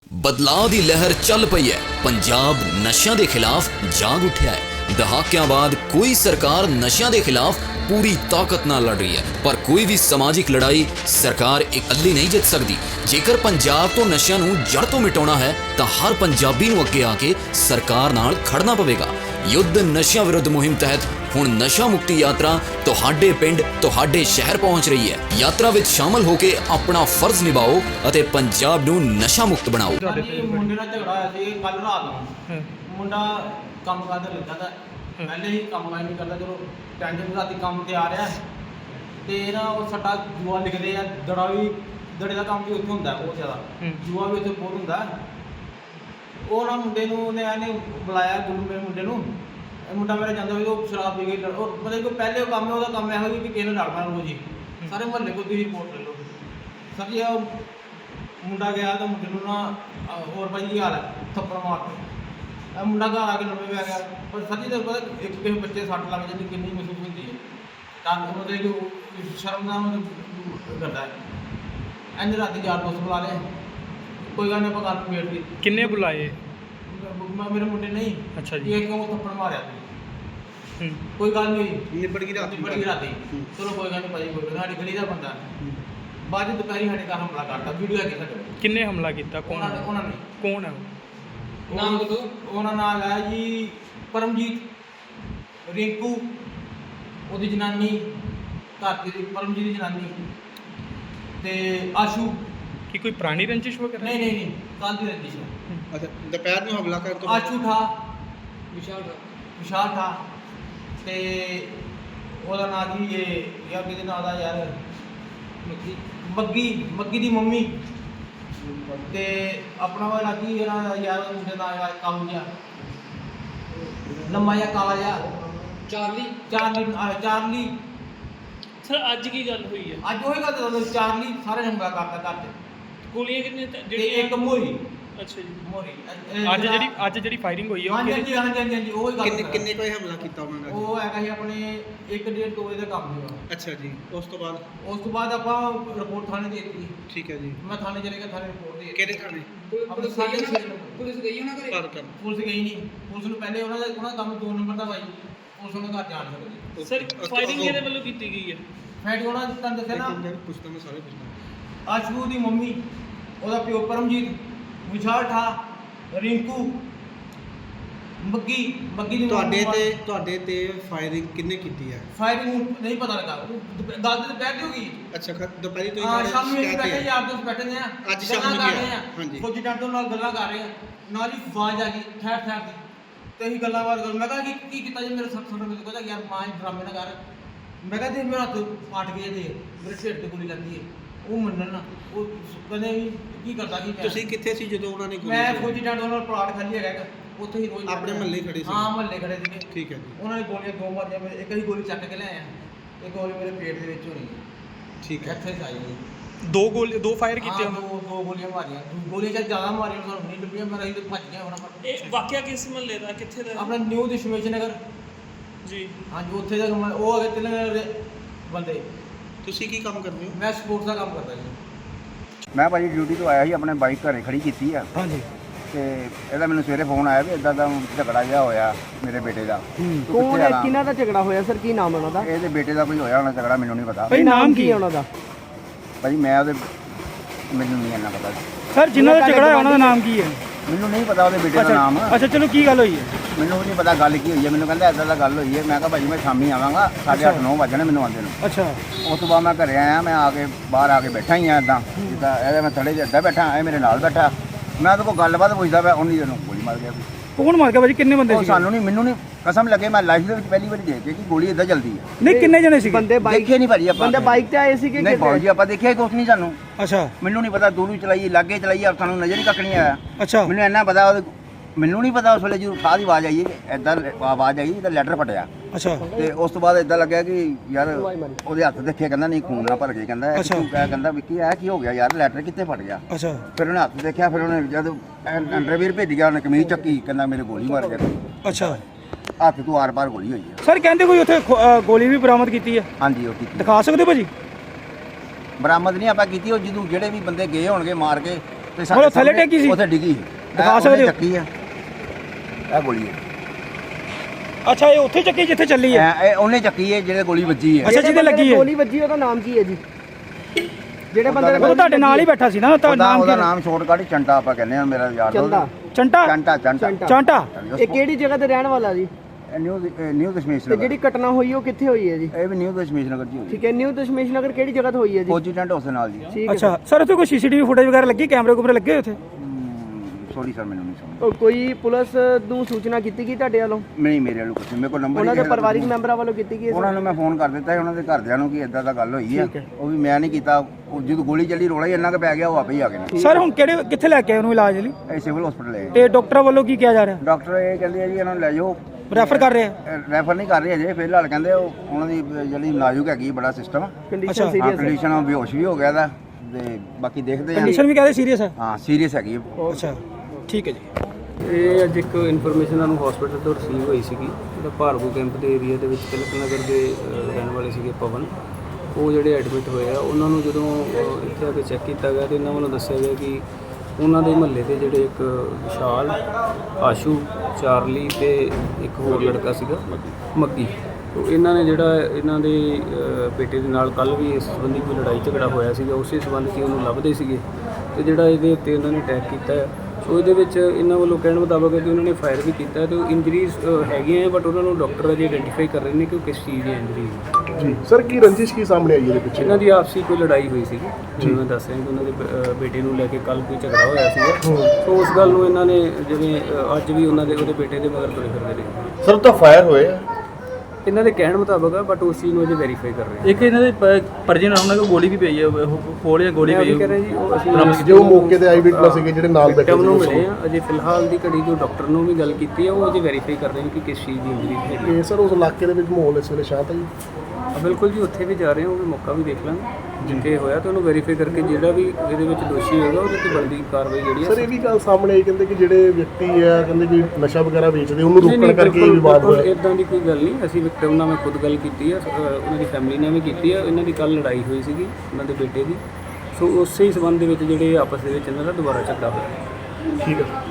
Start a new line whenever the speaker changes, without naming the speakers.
ਬਦਲਾਅ ਦੀ ਲਹਿਰ ਚੱਲ ਪਈ ਹੈ। ਪੰਜਾਬ ਨਸ਼ਿਆਂ ਦੇ ਖਿਲਾਫ ਜਾਗ ਉੱਠਿਆ ਹੈ। ਦਹਾਕਿਆਂ ਬਾਅਦ ਕੋਈ ਸਰਕਾਰ ਨਸ਼ਿਆਂ ਦੇ ਖਿਲਾਫ ਪੂਰੀ ਤਾਕਤ ਨਾਲ ਲੜ ਰਹੀ ਹੈ, ਪਰ ਕੋਈ ਵੀ ਸਮਾਜਿਕ ਲੜਾਈ ਸਰਕਾਰ ਇਕੱਲੀ ਨਹੀਂ ਜਿੱਤ ਸਕਦੀ। ਜੇਕਰ ਪੰਜਾਬ ਤੋਂ ਨਸ਼ਿਆਂ ਨੂੰ ਜੜ ਤੋਂ ਮਿਟਾਉਣਾ ਹੈ ਤਾਂ ਹਰ ਪੰਜਾਬੀ ਨੂੰ ਅੱਗੇ ਆ ਕੇ ਸਰਕਾਰ ਨਾਲ ਖੜਨਾ ਪਵੇਗਾ। ਯੁੱਧ ਨਸ਼ਿਆਂ ਵਿਰੁੱਧ ਮੁਹਿੰਮ ਤਹਿਤ ਹੁਣ ਨਸ਼ਾ ਮੁਕਤੀ ਯਾਤਰਾ ਤੁਹਾਡੇ ਪਿੰਡ ਤੁਹਾਡੇ ਸ਼ਹਿਰ ਪਹੁੰਚ ਰਹੀ ਹੈ। ਯਾਤਰਾ ਵਿੱਚ ਸ਼ਾਮਲ ਹੋ ਕੇ ਆਪਣਾ ਫਰਜ਼ ਨਿਭਾਓ ਅਤੇ ਪੰਜਾਬ ਨੂੰ ਨਸ਼ਾ ਮੁਕਤ ਬਣਾਓ।
ਮੁੰਡੇ ਨਾਲ ਝਗੜਾ ਹੋਇਆ ਸੀ ਕੱਲ ਰਾਤ ਨੂੰ। ਮੁੰਡਾ ਕੰਮ ਕਰਦੇ ਲੱਗਾ ਤਾਂ ਪਹਿਲੇ ਹੀ ਕੰਮ ਨਹੀਂ ਕਰਦਾ, ਜਦੋਂ ਟੈਂਸ਼ਨ ਰਾਤੀ ਕੰਮ ਤੇ ਆ ਰਿਹਾ ਤੇ ਨਾ ਉਹ ਸਾਡਾ ਜੂਆ ਲਿਖਦੇ ਆ। ਦੜੇ ਦਾ ਕੰਮ ਵੀ ਉੱਥੇ ਹੁੰਦਾ ਬਹੁਤ ਜ਼ਿਆਦਾ, ਜੂਆ ਵੀ ਉੱਥੇ ਬਹੁਤ ਹੁੰਦਾ। ਉਹ ਨਾ ਮੁੰਡੇ ਨੂੰ ਉਹਨੇ ਬੁਲਾਇਆ, ਗੁਰੂ ਮੇਰੇ ਮੁੰਡੇ ਨੂੰ। ਇਹ ਮੁੰਡਾ ਮੇਰਾ ਜਾਂਦਾ ਵੀ ਉਹ ਸ਼ਰਾਬ ਪੀ ਕੇ ਉਹ ਮਤਲਬ ਕਿ ਪਹਿਲੇ ਉਹ ਕੰਮ ਉਹਦਾ ਕੰਮ ਇਹੋ ਜਿਹੀ ਵੀ ਕਿਸੇ ਨੂੰ ਲੜ ਪੈਣਾ ਰੋਜ਼ ਹੀ। ਸਾਰੇ ਮੁਹੱਲੇ ਕੋਲ ਤੁਸੀਂ ਰਿਪੋਰਟ ਲੈ ਲਓ। ਸਰ ਜੀ ਉਹ ਮੁੰਡਾ ਗਿਆ ਤਾਂ ਮੁੰਡੇ ਨੂੰ ਨਾ ਹੋਰ ਭਾਈ ਕੀ ਹਾਲ ਹੈ ਥੱਪੜ ਮਾਰ ਕੇ ਇਹ ਮੁੰਡਾ ਘਰ ਆ ਕੇ ਲੰਮੇ ਪੈ ਗਿਆ। ਪਰ ਸਰ ਜੀ ਤੁਹਾਨੂੰ ਪਤਾ ਇੱਕ ਕਿਸੇ ਬੱਚੇ ਸੱਟ ਲੱਗ ਜਾਂਦੀ ਕਿੰਨੀ ਮਹਿਸੂਸ ਹੁੰਦੀ ਹੈ। ਤਾਂ ਮਤਲਬ ਕਿ ਸ਼ਰਮ ਦਾ ਮਤਲਬ ਕਰਦਾ ਹੈ। ਇੰਝ ਰਾਤੀ ਯਾਰ ਦੋਸਤ ਬੁਲਾ ਲਏ, ਕੋਈ ਗੱਲ ਨਹੀਂ ਆਪਾਂ ਗੱਲ ਮੇਟ ਦੀ।
ਕਿੰਨੇ ਬੁਲਾਏ?
ਮੇਰੇ ਮੁੰਡੇ ਨਹੀਂ।
ਅੱਛਾ ਜੀ।
ਇਹ ਕਿਉਂ ਥੱਪੜ ਮਾਰਿਆ ਤੂੰ? ਕੋਈ ਗੱਲ ਨਹੀਂ,
ਨਿਬੜ ਗਈ ਰਾਤ।
ਚਲੋ ਕੋਈ ਗੱਲ ਨਹੀਂ ਭਾਜੀ, ਕੋਈ ਗੱਲ ਸਾਡੀ ਗਲੀ ਦਾ ਬੰਦਾ। ਬਾਅਦ ਦੁਪਹਿਰੀ ਸਾਡੇ ਘਰ ਹਮਲਾ ਕਰਤਾ, ਵੀਡੀਓ ਹੈਗੀ ਸਾਡੇ ਕੋਲ।
ਕਿੰਨੇ ਹਮਲਾ ਕੀਤਾ? ਕੌਣ?
ਉਹਨਾਂ ਨੇ।
ਕੌਣ ਹੈ?
ਨਾਮ ਦੱਸੋ। ਉਹਨਾਂ ਨਾਲ ਹੈ ਜੀ ਪਰਮਜੀਤ, ਰਿੰਕੂ ਉਹਦੀ ਜਨਾਨੀ, ਘਰ ਦੀ ਪਰਮਜੀਤ ਦੀ ਜਨਾਨੀ ਤੇ ਆਸ਼ੂ।
ਕੀ ਕੋਈ ਪੁਰਾਣੀ ਰੰਜਿਸ਼ ਵਗੈਰਾ?
ਨਹੀਂ ਕੱਲ ਦੀ ਰੰਜਿਸ਼ ਹੈ।
ਅੱਛਾ, ਦੁਪਹਿਰ ਨੂੰ ਹਮਲਾ ਕਰਨ ਤੋਂ
ਆਸ਼ੂ ਠਾ, ਵਿਸ਼ਾਲ ਠਾ ਤੇ ਉਹਦਾ ਨਾਂ ਜੀ ਇਹ ਯਾਰ ਕਿਹਦੇ ਨਾਂ ਦਾ ਯਾਰ, ਮੱਗੀ ਦੀ ਮੰਮੀ ਤੇ ਆਪਣਾ ਉਹ ਲੱਗੀ ਇਹਨਾਂ ਦਾ ਯਾਰ ਮੁੰਡੇ ਦਾ ਯਾਰ ਕੰਮ ਜਿਹਾ ਲੰਮਾ ਜਿਹਾ ਕਾਲਾ ਜਿਹਾ ਚਾਰਲੀ।
ਸਰ ਅੱਜ ਕੀ ਗੱਲ ਹੋਈ ਹੈ?
ਅੱਜ ਉਹੀ ਗੱਲ ਦੱਸੋ, ਚਾਰਲੀ ਸਾਰੇ ਨੇ ਹਮਲਾ ਕਰਤਾ ਘਰ ਤੇ।
ਗੋਲੀਆਂ ਕਿੰਨੇ
ਤੇ ਇੱਕ ਮੋਰੀ।
ਅੱਛਾ ਜੀ।
ਮੋਰੀ
ਅੱਜ ਜਿਹੜੀ ਫਾਇਰਿੰਗ ਹੋਈ ਹੈ
ਹਾਂਜੀ
ਉਹ
ਹਾਂਜੀ ਉਹੀ ਗੱਲ।
ਕਿੰਨੇ ਕੋਈ ਹਮਲਾ ਕੀਤਾ ਉਹਨਾਂ ਨੇ?
ਉਹ ਹੈਗਾ ਸੀ ਆਪਣੇ 1.5 ਵਜੇ ਦਾ ਕੰਮ ਸੀਗਾ।
ਅੱਛਾ ਜੀ। ਉਸ ਤੋਂ ਬਾਅਦ
ਆਪਾਂ ਰਿਪੋਰਟ ਥਾਣੇ ਦੇ ਦਿੱਤੀ।
ਠੀਕ ਹੈ ਜੀ।
ਮੈਂ ਥਾਣੇ ਚਲੇ ਗਿਆ, ਥਾਣੇ ਰਿਪੋਰਟ ਦੇ ਦਿੱਤੀ।
ਕਿਹੜੇ ਥਾਣੇ?
ਆਪਣੇ ਸਾਡੇ
ਪੁਲਿਸ ਗਈ ਉਹਨਾਂ ਘਰੇ?
ਪੁਲਿਸ ਗਈ ਨਹੀਂ। ਪੁਲਿਸ ਨੂੰ ਪਹਿਲੇ ਉਹਨਾਂ ਦਾ ਕੰਮ 2 ਨੰਬਰ ਦਾ ਭਾਈ, ਪੁਲਿਸ ਉਹਨਾਂ ਘਰ ਜਾਣ ਸਕਦੀ।
ਸਰ ਫਾਇਰਿੰਗ ਕਿਹਦੇ ਵੱਲੋਂ ਕੀਤੀ ਗਈ ਹੈ?
ਫੈਟ ਉਹਨਾਂ ਨੇ ਤੁਹਾਨੂੰ ਦੱਸਿਆ ਨਾ,
ਪੁੱਛਦਾ ਮੈਂ ਸਾਰੇ ਪੁੱਛਦਾ।
ਆਸ਼ੂ ਦੀ ਮੰਮੀ, ਉਹਦਾ ਪਿਓ ਪਰਮਜੀਤ, ਵਿਸ਼ਾਲ ਠਾ, ਰਿੰਕੂ, ਮੱਗੀ ਦੀ
ਤੁਹਾਡੇ ਤੇ ਫਾਇਰਿੰਗ ਕਿੰਨੇ ਕੀਤੀ ਹੈ?
ਫਾਇਰਿੰਗ ਨਹੀਂ ਪਤਾ ਲੱਗਾ, ਗੱਲ ਤੇ ਬੈਠ ਹੋਗੀ।
ਅੱਛਾ, ਦੁਪਹਿਰੀ ਤੋਂ
ਹਾਂ ਸ਼ਾਮੀ ਅਸੀਂ ਬੈਠੇ ਯਾਰ ਦੋਸਤ ਬੈਠੇ ਨੇ,
ਅੱਜ ਸ਼ਾਮ ਨੂੰ
ਹਾਂਜੀ ਫੌਜੀ ਡਾਕਟਰ ਨਾਲ ਗੱਲਾਂ ਕਰ ਰਹੇ ਆ। ਨਾਲ ਹੀ ਆਵਾਜ਼ ਆ ਗਈ ਠਹਿਰ ਦੀ ਤੇ ਅਸੀਂ ਗੱਲਾਂ ਬਾਤ ਕਰ। ਮੈਂ ਕਿਹਾ ਕੀ ਕੀਤਾ ਜੀ? ਮੇਰੇ ਸੱਟ ਮੈਨੂੰ ਕਹਿੰਦਾ ਯਾਰ ਮਾਂ ਡਰਾਮੇ ਨਾ ਕਰ। ਮੈਂ ਕਿਹਾ ਤੇ ਮੇਰਾ ਹੱਥ ਪਾਟ ਗਿਆ ਤੇ ਮੇਰੇ ਢਿੱਡ ਤੇ ਗੋਲੀ ਲੱਗੀ ਹੈ। ਉਹ ਮੰਨਣ ਨਾ, ਉਹ ਕਹਿੰਦੇ ਵੀ ਕੀ ਕਰਦਾ ਕੀ।
ਤੁਸੀਂ ਕਿੱਥੇ ਸੀ ਜਦੋਂ ਉਹਨਾਂ ਨੇ ਗੋਲੀ
ਮੈਂ
ਚਲਾਈ?
ਫੌਜੀ ਡਾਕਟਰ ਨਾਲ ਪਲਾਟ ਖਾਲੀ ਹੈਗਾ ਉੱਥੇ ਹੀ ਰੋਜ਼
ਆਪਣੇ ਮਹੱਲੇ ਖੜੇ ਸੀ?
ਹਾਂ ਮਹੱਲੇ ਖੜੇ ਸੀਗੇ।
ਠੀਕ ਹੈ ਜੀ।
ਉਹਨਾਂ ਨੇ ਗੋਲੀਆਂ 2 ਮਾਰੀਆਂ, ਮੇਰੇ ਇੱਕ ਹੀ ਗੋਲੀ ਚੱਕ ਕੇ ਲਿਆਇਆ, ਇੱਕ ਗੋਲੀ ਮੇਰੇ ਪੇਟ ਦੇ ਵਿੱਚ ਹੋਣੀ ਹੈ।
ਠੀਕ ਹੈ।
ਇੱਥੇ ਆਈ ਜੀ।
ਦੋ ਫਾਇਰ ਕੀਤੇ
ਹਾਂ, ਦੋ ਗੋਲੀਆਂ ਮਾਰੀਆਂ। ਗੋਲੀਆਂ ਚਾਹੇ ਜ਼ਿਆਦਾ ਮਾਰੀਆਂ ਸਾਨੂੰ ਨਹੀਂ ਲੱਭੀਆਂ, ਮੈਂ ਰਹੀ ਤੇ ਭੱਜ ਗਿਆ ਹੁਣ।
ਇਹ ਵਾਕਿਆ ਕਿਸ ਮਹੱਲੇ ਦਾ, ਕਿੱਥੇ ਦਾ?
ਆਪਣਾ ਨਿਊ ਦਸ਼ਮੇਸ਼ ਨਗਰ
ਜੀ।
ਹਾਂਜੀ ਉੱਥੇ ਦਾ ਉਹ ਹੈਗੇ 3 ਦੇ ਬੰਦੇ।
ਤੁਸੀਂ ਕੀ ਕੰਮ ਕਰਦੇ ਹੋ?
ਮੈਂ ਸਪੋਰਟਸ ਦਾ ਕੰਮ ਕਰਦਾ ਜੀ।
ਮੈਂ ਭਾਜੀ ਡਿਊਟੀ ਤੋਂ ਆਇਆ ਸੀ, ਆਪਣੇ ਬਾਈਕ ਘਰੇ ਖੜੀ ਕੀਤੀ ਆ।
ਹਾਂਜੀ।
ਤੇ ਇਹਦਾ ਮੈਨੂੰ ਸਵੇਰੇ ਫੋਨ ਆਇਆ ਵੀ ਇਦਾਂ ਦਾ ਝਗੜਾ ਜਿਹਾ ਹੋਇਆ ਮੇਰੇ ਬੇਟੇ ਦਾ।
ਕੌਣ ਹੈ, ਕਿਹਨਾਂ ਦਾ ਝਗੜਾ ਹੋਇਆ ਸਰ? ਕੀ ਨਾਮ ਹੈ ਉਹਨਾਂ ਦਾ?
ਇਹਦੇ ਬੇਟੇ ਦਾ ਕੋਈ ਹੋਇਆ ਹੋਣਾ ਝਗੜਾ, ਮੈਨੂੰ ਨਹੀਂ ਪਤਾ
ਭਾਈ ਨਾਮ ਕੀ ਹੈ ਉਹਨਾਂ ਦਾ?
ਭਾਜੀ ਮੈਨੂੰ ਨਹੀਂ ਇੰਨਾ ਪਤਾ।
ਸਰ ਜਿਨ੍ਹਾਂ ਦਾ ਝਗੜਾ ਹੋਇਆ ਉਹਨਾਂ ਦਾ ਨਾਮ ਕੀ ਹੈ?
ਮੈਨੂੰ ਨਹੀਂ ਪਤਾ ਉਹਦੇ ਬੇਟੇ ਦਾ ਨਾਮ।
ਅੱਛਾ ਚਲੋ, ਕੀ ਗੱਲ ਹੋਈ ਹੈ?
ਮੈਨੂੰ ਨਹੀਂ ਪਤਾ ਗੱਲ ਕੀ ਹੋਈ ਹੈ। ਮੈਨੂੰ ਕਹਿੰਦਾ ਇਦਾਂ ਦਾ ਗੱਲ ਹੋਈ ਹੈ। ਮੈਂ ਕਿਹਾ ਭਾਜੀ ਮੈਂ ਸ਼ਾਮੀ ਆਵਾਂਗਾ, 8:30 9 ਵਜੇ ਮੈਨੂੰ ਆਉਂਦੇ ਨੂੰ।
ਅੱਛਾ।
ਉਸ ਤੋਂ ਬਾਅਦ ਮੈਂ ਘਰੇ ਆਇਆ, ਮੈਂ ਆ ਕੇ ਬਾਹਰ ਆ ਕੇ ਬੈਠਾ ਹੀ ਆ ਇੱਦਾਂ ਜਿੱਦਾਂ ਇਹਦੇ ਮੈਂ ਥੜੇ 'ਚ ਇੱਦਾਂ ਬੈਠਾ, ਇਹ ਮੇਰੇ ਨਾਲ ਬੈਠਾ। ਮੈਂ ਉਹਦੇ ਕੋਲ ਗੱਲਬਾਤ ਪੁੱਛਦਾ ਪਿਆ, ਉਹਨੀ ਨੂੰ ਗੋਲੀ ਮਾਰ ਗਿਆ।
ਕੌਣ ਮਾਰ ਗਿਆ ਭਾਜੀ? ਕਿੰਨੇ ਬੰਦੇ
ਉਹ
ਸੀ?
ਸਾਨੂੰ ਨਹੀਂ, ਮੈਨੂੰ ਨਹੀਂ ਕਸਮ ਲੱਗੇ, ਮੈਂ ਲਾਈਫ ਦੇ ਵਿੱਚ ਪਹਿਲੀ ਵਾਰੀ ਦੇਖੀ ਕਿ ਗੋਲੀ ਇਦਾਂ ਚੱਲਦੀ ਹੈ।
ਨਹੀਂ ਕਿੰਨੇ ਜਣੇ ਸੀ?
ਬੰਦੇ ਬਾਈਕ
ਦੇਖੇ ਨਹੀਂ ਭਾਜੀ ਆਪਾਂ।
ਬੰਦੇ ਬਾਈਕ ਤੇ ਆਏ ਸੀ ਕਿ
ਨਹੀਂ ਭਾਜੀ ਆਪਾਂ ਦੇਖਿਆ ਕੁਛ ਨਹੀਂ ਸਾਨੂੰ।
ਅੱਛਾ
ਮੈਨੂੰ ਨਹੀਂ ਪਤਾ, ਦੂਰੋਂ ਚਲਾਈ ਲਾਗੇ ਚਲਾਈ ਆ, ਸਾਨੂੰ ਨਜ਼ਰ ਹੀ ਕੱਖ ਨਹੀਂ ਆਇਆ।
ਅੱਛਾ।
ਮੈਨੂੰ ਇੰਨਾ ਪਤਾ ਮੈਨੂੰ ਨਹੀਂ ਪਤਾ ਉਸ ਵੇਲੇ ਜਦੋਂ ਠਾਹ ਦੀ ਆਵਾਜ਼ ਆਈ ਇਦਾਂ ਆਵਾਜ਼ ਆਈ ਤਾਂ ਲੈਟਰ ਫਟਿਆ।
ਅੱਛਾ।
ਤੇ ਉਸ ਤੋਂ ਬਾਅਦ ਇਦਾਂ ਲੱਗਿਆ ਕਿ ਯਾਰ ਉਹਦੇ ਹੱਥ ਦੇਖਿਆ, ਕਹਿੰਦਾ ਨਹੀਂ ਖੂਨ ਨਾ ਭਰ ਕੇ, ਕਹਿੰਦਾ ਕਹਿੰਦਾ ਵਿੱਕੀ ਇਹ ਕੀ ਹੋ ਗਿਆ ਯਾਰ, ਲੈਟਰ ਕਿੱਥੇ ਫਟ ਗਿਆ?
ਅੱਛਾ।
ਫਿਰ ਉਹਨੇ ਹੱਥ ਦੇਖਿਆ, ਫਿਰ ਉਹਨੇ ਜਦ ਅੰਡਰਵੀਅਰ ਭੇਜ ਗਿਆ, ਉਹਨੇ ਕਮੀਜ਼ ਚੱਕੀ, ਕਹਿੰਦਾ ਮੇਰੇ ਗੋਲੀ ਮਾਰ ਗਿਆ।
ਅੱਛਾ।
ਹੱਥ ਤੋਂ ਆਰ-ਪਾਰ ਗੋਲੀ ਹੋਈ ਹੈ।
ਸਰ ਕਹਿੰਦੇ ਕੋਈ ਉੱਥੇ ਗੋਲੀ ਵੀ ਬਰਾਮਦ ਕੀਤੀ ਹੈ?
ਹਾਂਜੀ ਉਹ ਕੀਤੀ।
ਦਿਖਾ ਸਕਦੇ ਭਾਜੀ?
ਬਰਾਮਦ ਨਹੀਂ ਆਪਾਂ ਕੀਤੀ, ਉਹ ਜਦੋਂ ਜਿਹੜੇ ਵੀ ਬੰਦੇ ਗਏ ਹੋਣਗੇ ਮਾਰ ਕੇ ਤੇ ਸਾਡੇ
ਮਤਲਬ ਥੱਲੇ
ਸਾਹਮਣੇ
ਡਿੱਗੀ ਸੀ?
ਉੱਥੇ ਡਿੱਗੀ
ਦਿਖਾ
ਉਹਨੇ
ਸਕਦੇ ਹੋ?
ਚੱਕੀ ਆ ਇਹ ਗੋਲੀ ਹੈ
ਅੱਛਾ ਇਹ ਉੱਥੇ ਚੱਕੀ ਜਿੱਥੇ ਚੱਲੀ ਹੈ?
ਇਹ ਉਹਨੇ ਚੱਕੀ ਹੈ ਜਿਹੜੇ ਗੋਲੀ ਵੱਜੀ ਹੈ
ਅੱਛਾ, ਜਿਹਦੇ ਲੱਗੀ ਹੈ।
ਗੋਲੀ ਵੱਜੀ ਉਹਦਾ ਨਾਮ ਕੀ ਹੈ ਜੀ? ਜਿਹੜੇ ਬੰਦੇ
ਉਹ ਤੁਹਾਡੇ ਨਾਲ ਹੀ ਬੈਠਾ ਸੀ ਨਾ ਤਾਂ ਨਾਮ
ਉਹਦਾ
ਕੀ?
ਨਾਮ ਸ਼ੋਰਟਕਟ ਚੰਟਾ ਆਪਾਂ ਕਹਿੰਦੇ ਆ ਮੇਰਾ ਯਾਰ
ਚੰਦਾ
ਚੰਟਾ
ਚੰਟਾ
ਚਾਂਟਾ।
ਇਹ ਕਿਹੜੀ ਜਗ੍ਹਾ ਤੇ ਰਹਿਣ ਵਾਲਾ ਜੀ?
ਨਿਊ ਦਸ਼ਮੇਸ਼
ਤੇ
ਨਗਰ
ਜਿਹੜੀ ਘਟਨਾ ਹੋਈ ਉਹ ਕਿੱਥੇ ਹੋਈ ਹੈ ਜੀ?
ਇਹ ਵੀ ਨਿਊ ਦਸ਼ਮੇਸ਼ ਨਗਰ ਜੀ ਹੋਈ
ਠੀਕ ਹੈ, ਨਿਊ ਦਸ਼ਮੇਸ਼ ਨਗਰ ਕਿਹੜੀ ਜਗ੍ਹਾ ਤੇ ਹੋਈ ਹੈ ਜੀ?
ਫੌਜੀ ਟੈਂਟ ਉਸ ਦੇ ਨਾਲ ਜੀ
ਠੀਕ ਹੈ
ਅੱਛਾ ਸਰ ਉੱਥੇ ਕੋਈ ਸੀਸੀਟੀਵੀ ਫੁਟੇਜ ਵਗੈਰਾ ਲੱਗੀ, ਕੈਮਰੇ ਕੁਮਰੇ ਲੱਗੇ ਹੋਏ ਉੱਥੇ?
ਸੌਰੀ ਸਰ ਮੈਨੂੰ ਨਹੀਂ ਸਮਝ
ਉਹ ਕੋਈ ਪੁਲਿਸ ਨੂੰ ਸੂਚਨਾ ਕੀਤੀ ਗਈ ਤੁਹਾਡੇ ਵੱਲੋਂ?
ਨਹੀਂ ਮੇਰੇ ਵੱਲੋਂ ਕੁਝ ਮੇਰੇ ਕੋਲ ਨੰਬਰ
ਉਹਨਾਂ
ਹੀ
ਦੇ ਪਰਿਵਾਰਿਕ ਮੈਂਬਰਾਂ ਵੱਲੋਂ ਕੀਤੀ ਗਈ?
ਉਹਨਾਂ ਨੂੰ ਮੈਂ ਫੋਨ ਕਰ ਦਿੱਤਾ ਸੀ ਉਹਨਾਂ ਦੇ ਘਰਦਿਆਂ ਨੂੰ ਕਿ ਇਦਾਂ ਦਾ ਗੱਲ ਹੋਈ ਆ
ਠੀਕ ਹੈ।
ਉਹ ਵੀ ਮੈਂ ਨਹੀਂ ਕੀਤਾ ਉਹ ਜਦੋਂ ਗੋਲੀ ਚੱਲੀ ਰੋਲਾ ਹੀ ਇੰਨਾ ਕੁ ਪੈ ਗਿਆ ਉਹ ਆਪੇ ਹੀ ਆ ਗਏ ਨੇ
ਸਰ ਹੁਣ ਕਿੱਥੇ ਲੈ ਕੇ ਆਏ ਉਹਨੂੰ ਇਲਾਜ ਲਈ?
ਇਹ ਸਿਵਲ ਹਸਪੀਟਲ ਹੈ
ਤੇ ਡਾਕਟਰਾਂ ਵੱਲੋਂ ਕੀ ਕਿਹਾ ਜਾ ਰਿਹਾ?
ਡਾਕਟਰ ਇਹ ਕਹਿੰਦੇ ਆ ਜੀ ਇਹਨਾਂ ਨੂੰ ਲੈ ਜਾਓ
ਰੈਫਰ ਕਰ ਰਹੇ ਆ?
ਰੈਫਰ ਨਹੀਂ ਕਰ ਰਹੇ ਅਜੇ ਫਿਲਹਾਲ ਕਹਿੰਦੇ ਉਹਨਾਂ ਦੀ ਜਿਹੜੀ ਨਾਜ਼ੁਕ ਹੈਗੀ ਬੜਾ ਸਿਸਟਮ
ਕੰਡੀਸ਼ਨ
ਅੱਛਾ,
ਹਾਂ
ਸੀਰੀਅਸ ਹੈ?
ਕੰਡੀਸ਼ਨ ਬੇਹੋਸ਼ ਵੀ ਹੋ ਗਿਆ ਦਾ ਤੇ ਬਾਕੀ ਦੇਖਦੇ ਹਾਂ
ਕੰਡੀਸ਼ਨ ਵੀ ਕਹਿੰਦੇ ਸੀਰੀਅਸ ਹੈ?
ਹਾਂ ਸੀਰੀਅਸ ਹੈਗੀ ਹੈ।
ਅੱਛਾ ਠੀਕ ਹੈ ਜੀ।
ਇਹ ਅੱਜ ਇੱਕ ਇਨਫੋਰਮੇਸ਼ਨ ਸਾਨੂੰ ਹਸਪੀਟਲ ਤੋਂ ਰਿਸੀਵ ਹੋਈ ਸੀਗੀ ਜਿਹੜਾ ਭਾਰਗੂ ਕੈਂਪ ਦੇ ਏਰੀਆ ਦੇ ਵਿੱਚ ਤਿਲਕ ਨਗਰ ਦੇ ਰਹਿਣ ਵਾਲੇ ਸੀਗੇ ਪਵਨ। ਉਹ ਜਿਹੜੇ ਐਡਮਿਟ ਹੋਏ ਆ ਉਹਨਾਂ ਨੂੰ ਜਦੋਂ ਇੱਥੇ ਆ ਕੇ ਚੈੱਕ ਕੀਤਾ ਗਿਆ ਤੇ ਇਹਨਾਂ ਵੱਲੋਂ ਦੱਸਿਆ ਗਿਆ ਕਿ ਉਹਨਾਂ ਦੇ ਮਹੱਲੇ ਦੇ ਜਿਹੜੇ ਇੱਕ ਵਿਸ਼ਾਲ, ਆਸ਼ੂ, ਚਾਰਲੀ ਤੇ ਇੱਕ ਹੋਰ ਲੜਕਾ ਸੀਗਾ ਮੱਗੀ। ਤੋ ਇਹਨਾਂ ਨੇ ਜਿਹੜਾ ਇਹਨਾਂ ਦੇ ਬੇਟੇ ਦੇ ਨਾਲ ਕੱਲ ਵੀ ਇਸ ਸੰਬੰਧੀ ਕੋਈ ਲੜਾਈ ਝਗੜਾ ਹੋਇਆ ਸੀਗਾ, ਉਸੇ ਸੰਬੰਧ 'ਚ ਉਹਨੂੰ ਲੱਭਦੇ ਸੀਗੇ ਤੇ ਜਿਹੜਾ ਇਹਦੇ ਉੱਤੇ ਉਹਨਾਂ ਨੇ ਅਟੈਕ ਕੀਤਾ ਹੈ। ਸੋ ਇਹਦੇ ਵਿੱਚ ਇਹਨਾਂ ਵੱਲੋਂ ਕਹਿਣ ਮੁਤਾਬਕ ਹੈ ਕਿ ਉਹਨਾਂ ਨੇ ਫਾਇਰ ਵੀ ਕੀਤਾ ਤੇ ਇੰਜਰੀਜ਼ ਹੈਗੀਆਂ ਬਟ ਉਹਨਾਂ ਨੂੰ ਡਾਕਟਰ ਅਜੇ ਆਇਡੈਂਟੀਫਾਈ ਕਰ ਰਹੇ ਨੇ ਕਿ ਉਹ ਕਿਸ ਚੀਜ਼ ਦੀ ਇੰਜਰੀ ਹੈ।
ਜੀ ਸਰ, ਕੀ ਰੰਜਿਸ਼ ਕੀ ਸਾਹਮਣੇ ਆਈ ਇਹਦੇ ਪਿੱਛੇ?
ਇਹਨਾਂ ਦੀ ਆਪਸੀ ਕੋਈ ਲੜਾਈ ਹੋਈ ਸੀਗੀ, ਜਿਵੇਂ ਮੈਂ ਦੱਸ ਰਿਹਾ ਕਿ ਉਹਨਾਂ ਦੇ ਬੇਟੇ ਨੂੰ ਲੈ ਕੇ ਕੱਲ ਕੋਈ ਝਗੜਾ ਹੋਇਆ ਸੀਗਾ। ਸੋ ਉਸ ਗੱਲ ਨੂੰ ਇਹਨਾਂ ਨੇ ਜਿਵੇਂ ਅੱਜ ਵੀ ਉਹਦੇ ਬੇਟੇ ਦੇ ਮਗਰ ਤੁਰੇ ਫਿਰਦੇ ਨੇ।
ਸਰ ਤਾਂ ਫਾਇਰ ਹੋਏ ਆ?
ਇਹਨਾਂ ਦੇ ਕਹਿਣ ਮੁਤਾਬਕ ਆ ਬਟ ਉਸ ਚੀਜ਼ ਨੂੰ ਅਜੇ ਵੈਰੀਫਾਈ ਕਰ ਰਹੇ ਹਾਂ।
ਇੱਕ ਇਹਨਾਂ ਦੇ ਪਰਜੇ ਨਾਲ ਉਹਨਾਂ ਕੋਲ ਗੋਲੀ ਵੀ ਪਈ ਹੈ, ਖੋਲ ਜਾਂ ਗੋਲੀ
ਮੈਂ
ਪਈ
ਉਹੀ ਕਹਿ ਰਿਹਾ ਜੀ, ਉਹ ਅਸੀਂ
ਜੋ ਮੌਕੇ ਤੇ ਆਈ ਵਿਟਨੈਸ ਸੀਗੇ ਜਿਹੜੇ ਨਾਲ ਬੈਠੇ
ਵਿਕਟਮ ਨੂੰ
ਸੀ
ਮਿਲੇ ਆ। ਅਜੇ ਫਿਲਹਾਲ ਦੀ ਘੜੀ ਜੋ ਡਾਕਟਰ ਨੂੰ ਵੀ ਗੱਲ ਕੀਤੀ ਹੈ ਉਹ ਅਜੇ ਵੈਰੀਫਾਈ ਕਰ ਰਹੇ ਨੇ ਕਿ ਕਿਸ ਚੀਜ਼ ਦੀ ਇੰਜਰੀ ਹੈ।
ਇਹ ਸਰ ਉਸ ਇਲਾਕੇ ਦੇ ਵਿੱਚ ਮਾਹੌਲ ਇਸ ਵੇਲੇ ਸ਼ਾਂਤ ਹੈ ਜੀ?
ਬਿਲਕੁਲ ਜੀ, ਉੱਥੇ ਵੀ ਜਾ ਰਹੇ ਹਾਂ, ਉਹ ਵੀ ਮੌਕਾ ਵੀ ਦੇਖ ਲਾਂਗੇ ਜਿੱਥੇ ਹੋਇਆ ਤਾਂ ਉਹਨੂੰ ਵੈਰੀਫਾਈ ਕਰਕੇ ਜਿਹੜਾ ਵੀ ਇਹਦੇ ਵਿੱਚ ਦੋਸ਼ੀ ਹੋਏਗਾ ਉਹਦੇ ਤੇ ਬਣਦੀ ਕਾਰਵਾਈ ਜਿਹੜੀ
ਸਰ
ਹੈ।
ਇਹ ਵੀ ਗੱਲ ਸਾਹਮਣੇ ਆਈ ਕਹਿੰਦੇ ਕਿ ਜਿਹੜੇ ਵਿਅਕਤੀ ਆ ਕਹਿੰਦੇ ਕਿ ਨਸ਼ਾ ਵਗੈਰਾ ਵੇਚਦੇ ਉਹਨੂੰ ਰੋਕਣ ਕਰਕੇ ਇਹ ਵਿਵਾਦ ਹੋਇਆ।
ਇਦਾਂ ਦੀ ਕੋਈ ਗੱਲ ਨਹੀਂ। ਅਸੀਂ ਵਿਕਟਮ ਨਾਲ ਮੈਂ ਖੁਦ ਗੱਲ ਕੀਤੀ ਹੈ, ਉਹਨਾਂ ਦੀ ਫੈਮਿਲੀ ਨਾਲ ਵੀ ਕੀਤੀ ਹੈ। ਇਹਨਾਂ ਦੀ ਕੱਲ ਲੜਾਈ ਹੋਈ ਸੀਗੀ ਉਹਨਾਂ ਦੇ ਬੇਟੇ ਦੀ। ਸੋ ਉਸੇ ਹੀ ਸੰਬੰਧ ਦੇ ਵਿੱਚ ਜਿਹੜੇ ਆਪਸ ਦੇ ਵਿੱਚ ਇਹਨਾਂ ਦਾ ਦੁਬਾਰਾ ਝਗੜਾ ਹੋਇਆ।
ਠੀਕ ਹੈ।